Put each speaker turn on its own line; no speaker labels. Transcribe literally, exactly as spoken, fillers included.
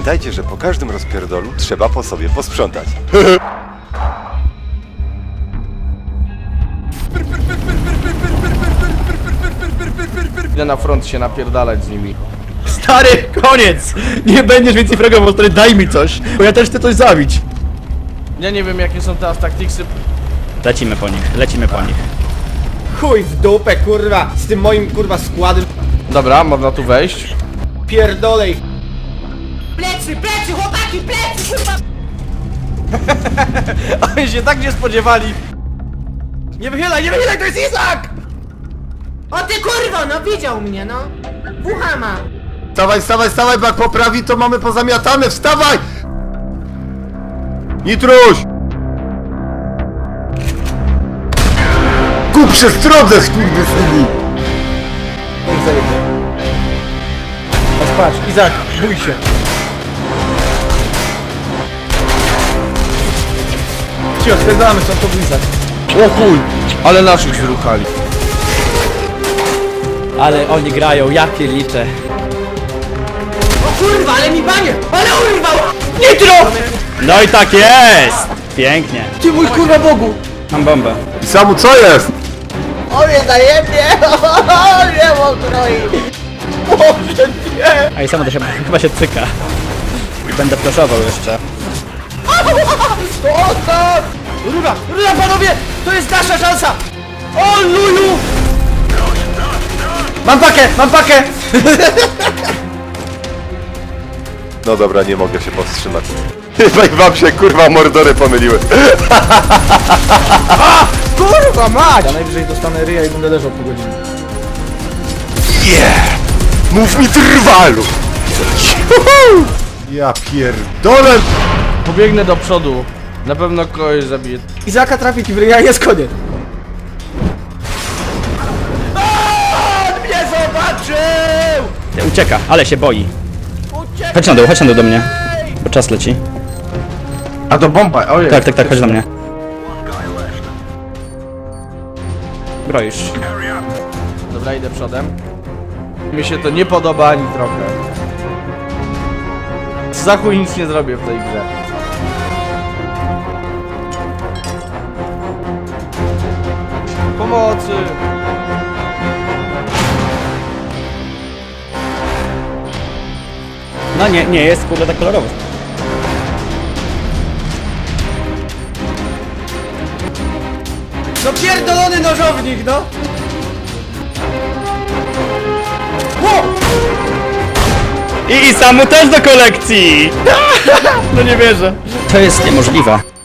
Pamiętajcie, że po każdym rozpierdolu trzeba po sobie posprzątać.
Idę na front się napierdalać z nimi.
Stary, koniec! Nie będziesz więcej fragował, stary, daj mi coś, bo ja też chcę coś zabić.
Ja nie wiem jakie są teraz taktiksy.
Lecimy po nich, lecimy po nich.
Chuj w dupę, kurwa, z tym moim, kurwa, składem.
Dobra, można tu wejść.
Pierdolej.
Plecy, plecy, chłopaki, plecy, kurwa!
Oni się tak nie spodziewali.
Nie wychylaj, nie wychylaj, to jest Izak!
O ty kurwo, no widział mnie, no. Ucha ma.
Wstawaj, wstawaj, wstawaj, bo jak poprawi, to mamy pozamiatane, wstawaj! Nitruś! Kup przestrodze, skurwysyni!
Niech zajebie. Patrz, Izak, bój się. Cicho, spędzamy, co to był Izak.
O chuj, ale naszych wyruchali.
Ale oni grają, ja pierliczę.
O kurwa, ale mi banie, ale urwał!
Nitro! No i tak jest! Pięknie.
Ty mój kurwa Bogu!
Mam bombę.
I samu, co jest?
O mnie zajebnie, o mnie mokroi!
A i samo to się chyba się cyka. Będę flashował jeszcze.
Rura, rura panowie! To jest nasza szansa! O luju! Mam pakę, mam pakę!
No dobra, nie mogę się powstrzymać. Chyba i wam się kurwa mordory pomyliły.
Kurwa mać! Ja najwyżej dostanę ryja i będę leżał po godzinie.
Yeah! Mów mi trwalu!
Ja pierdolę!
Pobiegnę do przodu. Na pewno kogoś zabiję.
Izaka trafi ci w ryja, jest koniec. On mnie zobaczył!
Ucieka, ale się boi. Chodź na dół, chodź na dół do mnie. Bo czas leci.
A to bomba, ojej.
Tak, tak, tak, chodź do mnie. Broisz.
Dobra, idę przodem. Mi się to nie podoba ani trochę. Za chuj nic nie zrobię w tej grze. Pomocy!
No nie, nie jest kurde tak kolorowo.
No pierdolony nożownik, no!
I, I samu też do kolekcji! No nie wierzę. To jest niemożliwe.